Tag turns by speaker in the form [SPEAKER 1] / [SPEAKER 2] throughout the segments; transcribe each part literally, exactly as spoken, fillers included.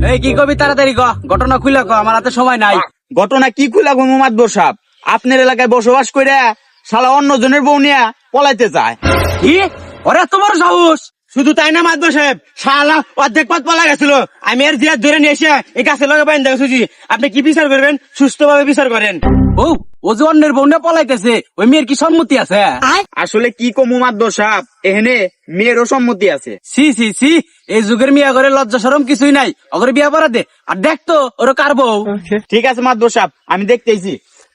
[SPEAKER 1] এই কি কবি তাড়াতাড়ি ক, ঘটনা খুলে ক, আমার হাতে সময় নাই।
[SPEAKER 2] ঘটনা কি খুলা গো মাতবর সাহেব, আপনার এলাকায় বসবাস করে শালা অন্য জনের বউ নিয়ে পলাইতে চায়।
[SPEAKER 1] কি ওরে এত বড় সাহস!
[SPEAKER 3] শুধু তাই না মাতবর সাহেব, শালা অর্ধেক পথ পলা গেছিল, আমি আর জিয়ার ধরে নিয়ে এসে এই গাছে লগে বাইন দেখেছি। আপনি কি বিচার করবেন? সুস্থ ভাবে বিচার করেন।
[SPEAKER 1] ও ও যে অন্যের বউ নিয়ে পলাইতেছে, ওই মেয়ের কি সম্মতি আছে?
[SPEAKER 2] আসলে কি কমু মাতবর সাহেব, এখানে মেয়েরও সম্মতি আছে।
[SPEAKER 1] সি সি সি, এই যুগের মিয়া করে লজ্জা শরম কিছুই নাই, ওগরে বিয়া পড়া দে। আর দেখ তো ওরা কার বউ।
[SPEAKER 2] ঠিক আছে মাতবর সাহেব, আমি দেখতেছি।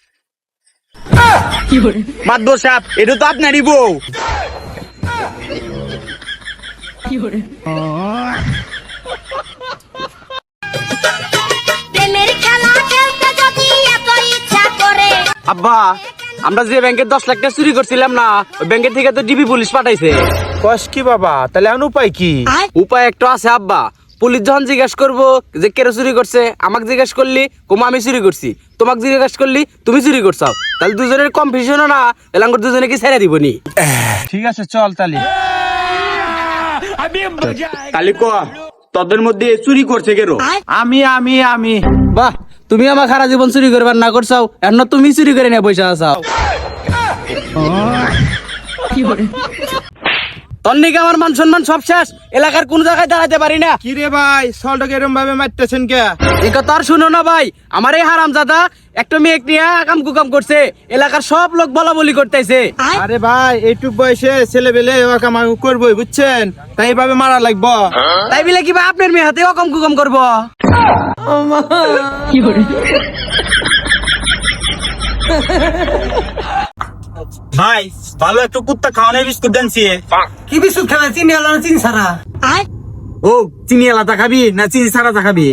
[SPEAKER 2] মাতবর সাহেব, এটা তো আপনারই বউ।
[SPEAKER 1] আব্বা, আমরা যে ব্যাংকের দশ লাখ টাকা চুরি করছিলাম না, ওই ব্যাংকের থেকে তো ডিবি পুলিশ পাঠাইছে।
[SPEAKER 3] কস কি বাবা, তাহলে এখন উপায় কি?
[SPEAKER 1] উপায় একটা আছে আব্বা। পুলিশ যখন জিজ্ঞেস করবো যে কে চুরি করছে, আমাকে জিজ্ঞেস করলি কুমা আমি চুরি করছি, তোমাকে জিজ্ঞেস করলি তুমি চুরি করছো, তাহলে দুজনের কম্পিটিশন না, তাহলে আমার দুজনে কি ছেড়ে দিবনি।
[SPEAKER 3] ঠিক আছে চল তাহলে।
[SPEAKER 2] তাহলে ক, তোদের মধ্যে চুরি করছে কেরো?
[SPEAKER 3] আমি আমি আমি
[SPEAKER 1] বাহ, তুমি আমার সারা জীবন চুরি করবার না করছাও, এখন তুমি চুরি করে নিয়ে পয়সা আসাও। তোর নাকি আমার মান সম্মান সব শেষ, এলাকার কোন জায়গায় দাঁড়াতে পারি না।
[SPEAKER 3] কি রে ভাই, সলটাকে এরম ভাবে মারতেছেন কে?
[SPEAKER 1] এই কথা আর শুনো না ভাই, আমার এই হারামজাদা একটা মেয়ে নিয়ে আকাম কুকাম করছে, এলাকার সব লোক বলা বলি করতেছে।
[SPEAKER 3] আরে ভাই, এইটুক বয়সে ছেলে বেলে কামাই করবোই, বুঝছেন? তাই এইভাবে মারা লাগবো?
[SPEAKER 1] তাই বলে কি ভাই আপনার মেয়ে হাতে অকম কুকম করবো?
[SPEAKER 2] ভাই ভালো একটু কুত্তা খাওয়ানোর বিস্কুট দেনছি।
[SPEAKER 1] কি বিস্কুট খাবে? চিনি আলা না চিনি ছাড়া?
[SPEAKER 2] ও চিনি আলাদা খাবি না চিনি ছাড়া খাবি?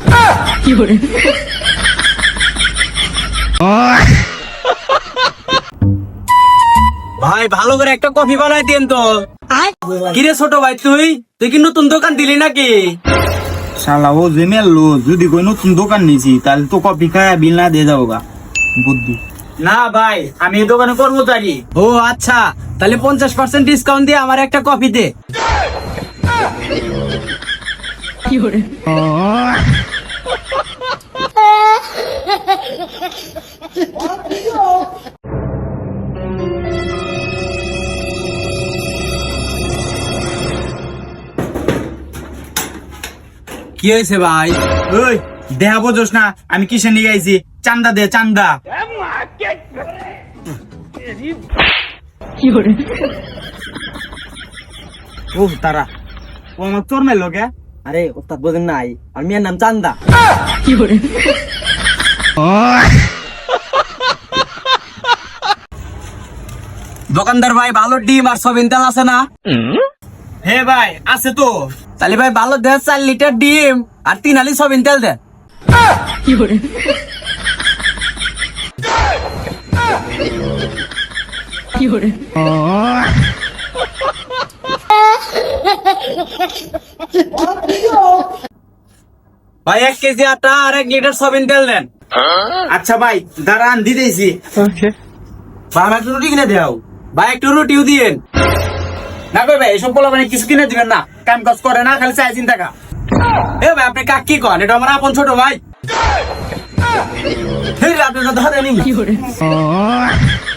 [SPEAKER 1] ভাই ভালো করে একটা কফি বানাই দেন তো। কিরে ছোট ভাই, তুই তুই কি নতুন দোকান দিলি নাকি?
[SPEAKER 2] শালা ও যে মেললো, যদি কই নতুন দোকান নিয়েছি তাহলে তো কপি খায় বিল না দিয়ে যাবো গা। বুদ্ধি
[SPEAKER 1] না ভাই, আমি এই দোকানে কর্মচারী। ও আচ্ছা, তাহলে পঞ্চাশ পার্সেন্ট ডিসকাউন্ট দিয়ে আমার একটা কফি দে। কি হয়েছে ভাই?
[SPEAKER 2] ওই দেহা বোঝোস না আমি কিসে নিয়ে আইছি? চান্দা দে চান্দা। ও তারা ও আমার তোর মেলো কে?
[SPEAKER 1] আরে ওস্তাদ বোঝেন নাই, আর মেয়ের নাম চান্দা। দোকানদার ভাই, ভালো ডিম আর সবিন তেল আছে না?
[SPEAKER 2] হে ভাই আছে তো।
[SPEAKER 1] তাহলে ভাই ভালো দেন চার লিটার ডিম আর তিন আলি সবিন তেল দেন। ভাই এক কেজি আটা আর এক লিটার সবিন তেল দেন।
[SPEAKER 2] আচ্ছা ভাই দাঁড়ান দিতেছি।
[SPEAKER 1] ভাই আমার একটু রুটি কিনে দেও। ভাই একটু রুটিও দিয়েন।
[SPEAKER 2] না কই ভাই এসব বলা মানে কিছু কিনে দিবেন না, কাম কাজ করে না, খালি চাই চিন্তা কা।
[SPEAKER 1] এ ভাই আপনি কাক কি কন? এটা আমার আপন ছোট ভাই। আপনি ধরেনি।